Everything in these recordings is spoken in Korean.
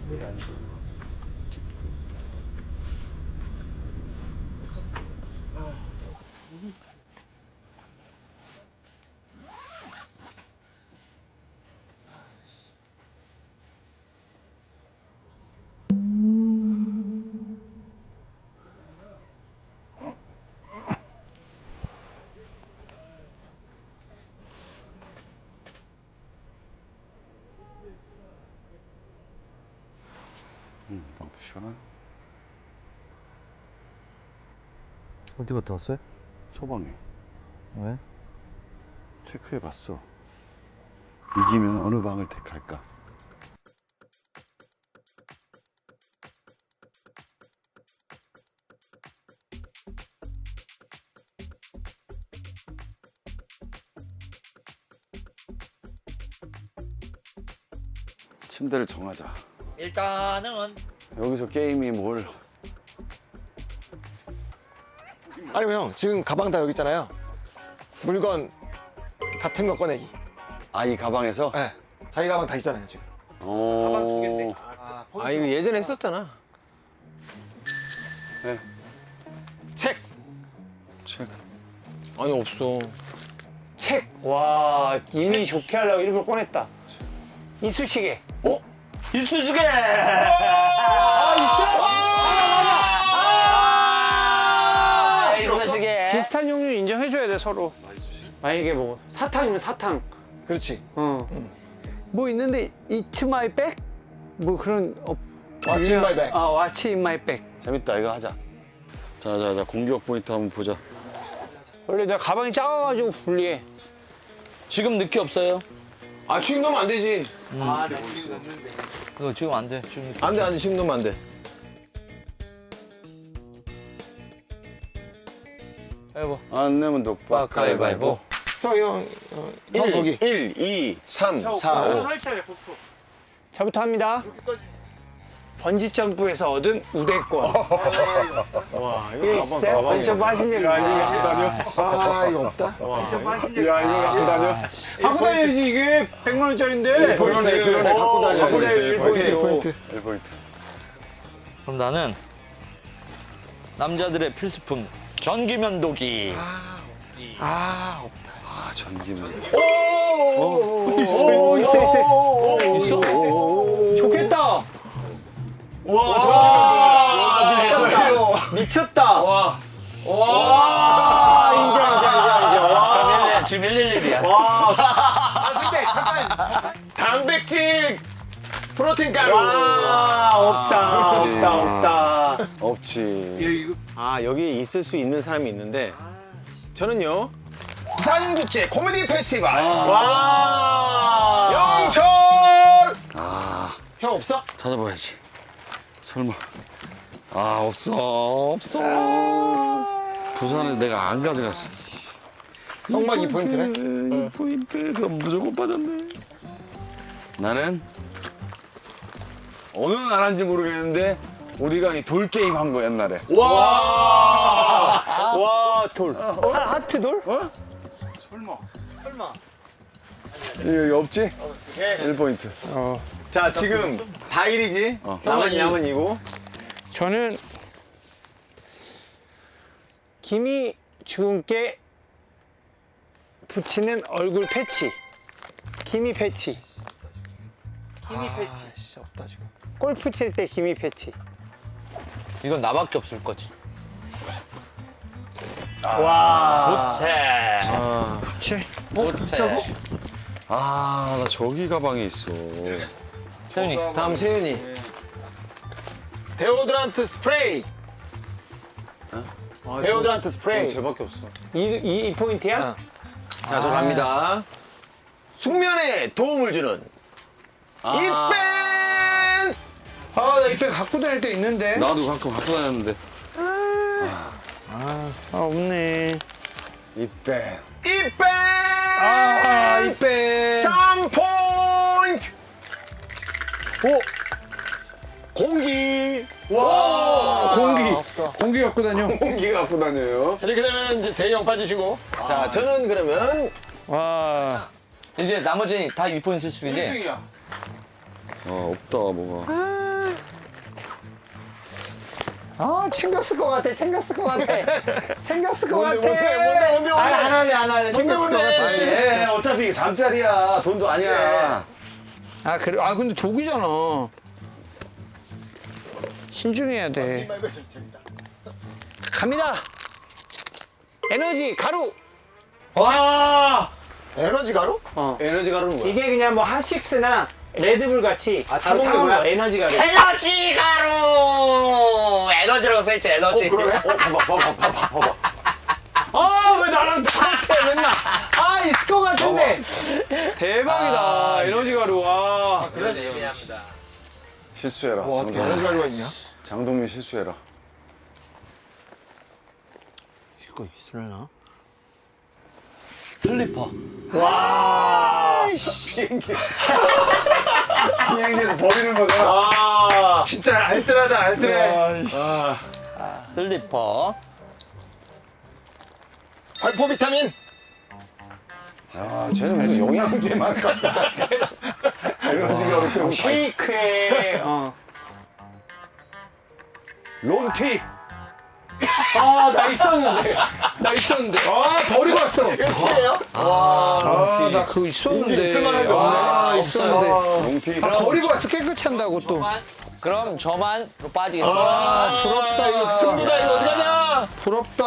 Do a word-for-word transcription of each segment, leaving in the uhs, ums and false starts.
음, 방도 시원하네. 어디 갔다 왔어요? 소방에 왜? 체크해봤어. 이기면 어느 방을 택할까? 침대를 정하자. 일단은 여기서 게임이 뭘? 아니면 형 지금 가방 다 여기 있잖아요. 물건 같은 거 꺼내기. 아, 이 가방에서? 네. 자기 가방 다 있잖아요 지금. 어. 아 이거 예전에 했었잖아. 네. 책. 체크. 아니 없어. 책. 와 이미 좋게 하려고 일부러 꺼냈다. 이쑤시개. 어? 이쑤시개. 아 있어? 아, 이쑤시개. 비슷한 종류 인정해줘야 돼 서로. 만약에 뭐 사탕이면 사탕. 그렇지. 어. 뭐 있는데 It's my bag? 뭐 그런 어. What's in my bag? 아 What's in my bag. 재밌다. 이거 하자. 자, 자, 자. 공격 포인트 한번 보자. 원래 내가 가방이 작아가지고 불리해. 지금 늦게 없어요. 아 지금 넣으면 안 되지. 아, 나 지금 넣는데. 그거 지금 안 돼. 지금 늦게. 안 돼, 안 돼. 지금 넣으면 안 돼. 해봐. 안 내면 독박 가위바위보. 형, 형, 형, 형 거기. 일, 이, 삼, 사, 오. 설치하래, 포토. 저부터 합니다. 번지 점프에서 얻은 우대권. 와 이게 이거 있어요? 번지 점프 하신 적 있나요? 아 이거 없다. 야, 이거 갖고 다녀. 갖고 다녀야지, 이게 백만 원짜리인데. 그러네, 그러네. 갖고 다녀. 갖고 다녀, 일 포인트. 포인트. 일 포인트. 그럼 나는 남자들의 필수품 전기면도기. 아 없다. 아, 전기면. 오, 있어, 있어, 있어. 있어? 좋겠다. 와, 미쳤다. 미쳤다. 와. 와. 인정, 인정, 인정, 인정. 와. 지금 일일일이야. 와. 아, 근데 잠깐. 단백질, 프로틴 가루. 와, 없다, 없다, 없다. 없지. 아 여기 있을 수 있는 사람이 있는데 저는요 부산국제 코미디 페스티벌. 와. 영철. 아, 형 없어? 찾아봐야지. 설마. 아, 없어. 없어. 부산에 내가 안 가져갔어. 형만 이 포인트네. 이 포인트. 그럼 무조건 빠졌네. 나는 어느 나라인지 모르겠는데 우리가 이 돌 게임 한 거 옛날에. 와. 와, 돌. 하, 하트 돌? 어? 설마. 설마. 이거 없지? 일 포인트. 자 지금 다 일이지 어. 남은 양은 이고 저는 김이 주근깨 붙이는 얼굴 패치. 김이 패치. 김이 패치. 진짜 없다 지금. 골프 칠 때 김이 패치. 이건 나밖에 없을 거지. 와. 부채. 아, 부채. 부채. 아, 나 저기 가방에 있어. 세윤이. 다음 세윤이. 데오드란트 스프레이. 데오드란트 스프레이. 쟤밖에 없어 이, 이, 이 포인트야? 자 저 갑니다 숙면에 도움을 주는 이펜 아, 나 이때 갖고 다닐 때 있는데. 나도 가끔 갖고 다녔는데. 아, 없네. 이빼. 이펜 아, 이때. 삼 포인트 오, 공기 와. 공기. 공기 갖고 다녀. 공기 갖고 다녀요 이렇게 되면 이제 대형 빠지시고. 자 저는 그러면 이제 나머지는 다 이 포인트 수준이지? 아, 없다, 뭐가. 아 챙겼을 것 같아 챙겼을 것 같아 챙겼을 것 같아 뭔데, 뭔데, 뭔데, 뭔데? 아니 안 할래 안 할래 챙겼을 것 같아 아니, 예, 어차피 이게 잠자리야. 돈도 아니야. 아 그래 아 근데 독이잖아 신중해야 돼 갑니다 에너지 가루 와! 에너지 가루? 에너지 가루는 뭐야? 이게 그냥 뭐 핫식스나 레드불 같이 아, 바로 타먹는 타먹는 거야? 거, 에너지 가루 에너지 가루! 에너지라고 써있지, 에너지. 어, 그러네? 어, 봐봐, 봐봐, 봐봐, 봐봐. 아 왜 나랑 똑같아 맨날 아 있을 것 같은데 대박이다 에너지 가루 와 그런 예민합니다. 실수해라. 와, 어떻게 장동민. 에너지 가루가 있냐? 장동민 실수해라. 이거 있으려나? 슬리퍼. 비행기에서. 비행기에서 버리는 거잖아. 아, 진짜 알뜰하다, 알뜰해. 슬리퍼. 발포 비타민. 야, 쟤는 무슨 영양제만 갖다. 에너지 가루 빼고. 쉐이크에 어. 론티. 아, 나 있었는데. 나 있었는데. 아, 버리고 왔어. 끝이에요? 아, 나 그거 있었는데. 인기 있을 만한 게 아, 없네. 있었는데. 론티. 아, 버리고 왔어. 깨끗이 한다고 또. 그럼 저만로 빠지겠습니다. 아, 부럽다. 이거 승부다. 이거 어디 가냐? 부럽다.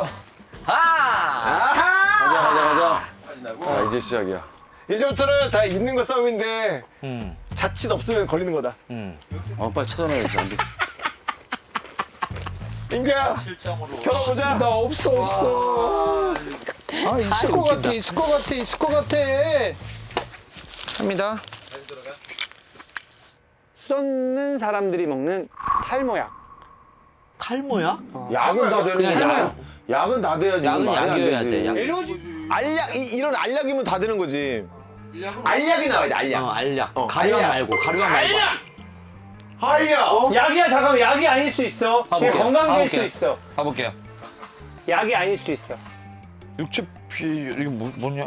아! 가자, 가자, 가자. 자, 이제 시작이야. 이제부터는 다 있는 거 싸움인데 음, 자칫 없으면 걸리는 거다. 음. 어, 빨리 찾아놔야지, 안 돼. 인규야, 겨뤄보자. 나 없어, 없어. 아, 있을 것 같아. 있을 것 같아. 있을 것 같아. 갑니다. 쏟는 사람들이 먹는 탈모약. 탈모야? 약은 다 되는 그냥 거야. 약. 약은 다 돼야지. 약은 이건 말이 안 약이어야 되지. 돼, 약. 에너지. 알약, 이, 이런 알약이면 다 되는 거지. 알약이 나와야 돼, 알약. 어, 알약. 가루약 알약. 말고, 가루약 말고. 알약! 약이야, 잠깐만. 약이 아닐 수 있어. 그게 가볼게요. 건강제일 수 가볼게요. 있어. 가볼게요. 약이 아닐 수 있어. 육즙비, 이게 뭐, 뭐냐?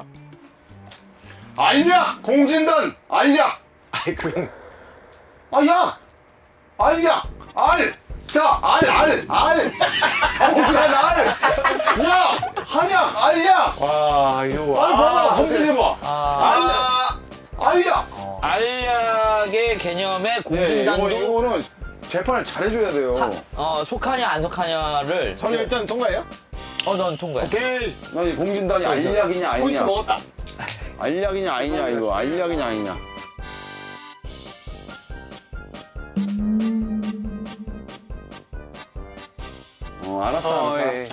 알약! 공진단! 알약! 아이, 그건. 아, 약! 알약! 알! 자, 알, 알, 알! 동그란 알! 약! 한약! 알약! 와, 이거 와. 알 봐봐, 검증해봐. 아, 알약! 알약의 개념의 네, 이거, 공진단도 이거는 재판을 잘해줘야 돼요. 어, 속하냐 안 속하냐를 저는 일단 통과해요? 어, 넌 통과해. 오케이. 나 이 공진단이 알약이냐, 포인트 아니냐. 먹었다. 알약이냐, 아니냐, 이거. 알약이냐, 아니냐. 어, 알았어, 알았어, 어, 예. 알았어.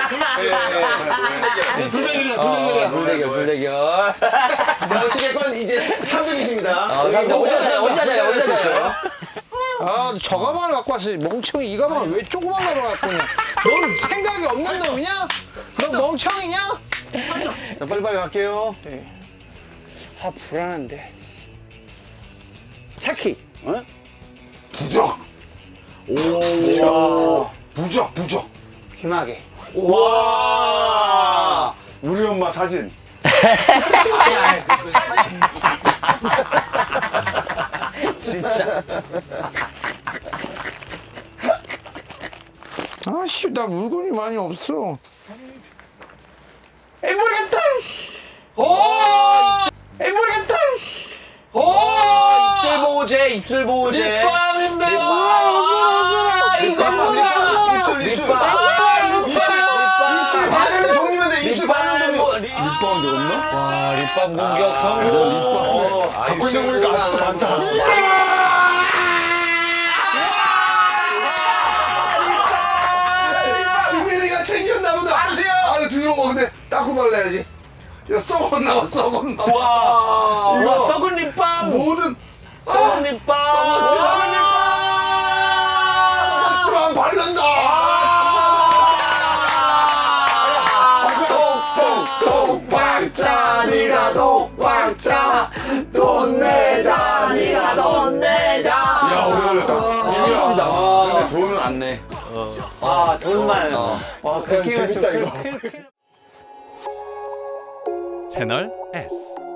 불대결이야, 어, 불대결, 불대결. 자, 어찌됐건 이제 삼 등이십니다. 어, 혼자, 혼자, 혼자자요, 혼자자요. 아, 저 가방을 갖고 왔어. 멍청이 이 가방을 왜 조그만 가방을 갖고 왔냐? 넌 생각이 없는 놈이냐? 너 멍청이냐? 자, 빨리빨리 갈게요. 아, 불안한데. 차키. 어? 부적! 오, 부적, 부적. 귀마개. 와! 우리 엄마 사진. 진짜. 아씨, 나 물건이 많이 없어. 에 모르겠다. 씨. 오! 에 모르겠다. 씨. 오! 입술 보호제, 입술 보호제. 립밤인데요. 아, 이거 뭐야? 입술, 입술. 립밤. 입술 바르는 종류면 돼, 입술 바르는 종류. 립밤도 없나? 와, 립밤 공격 성공. 아, 갖고 있는 거니까 아직도 많다. 지민이가 챙겼나 보다. 아세요? 아, 들어와. 근데 닦고 발라야지. 야, 썩었나, 썩었나. 와, 이거 와, 썩은 립밤. 모든 썩은 립밤. 썩었지만 썩었지만 바른다. 독박자, 니가 독박자. 돈 내자, 니가 돈 내자. 야, 오래 걸렸다. 아, 근데 돈은 안 내. 아, 돈만. 어. 와, 그렇게 재밌다, 했으면 이거. 클- 클- 클- 채널 S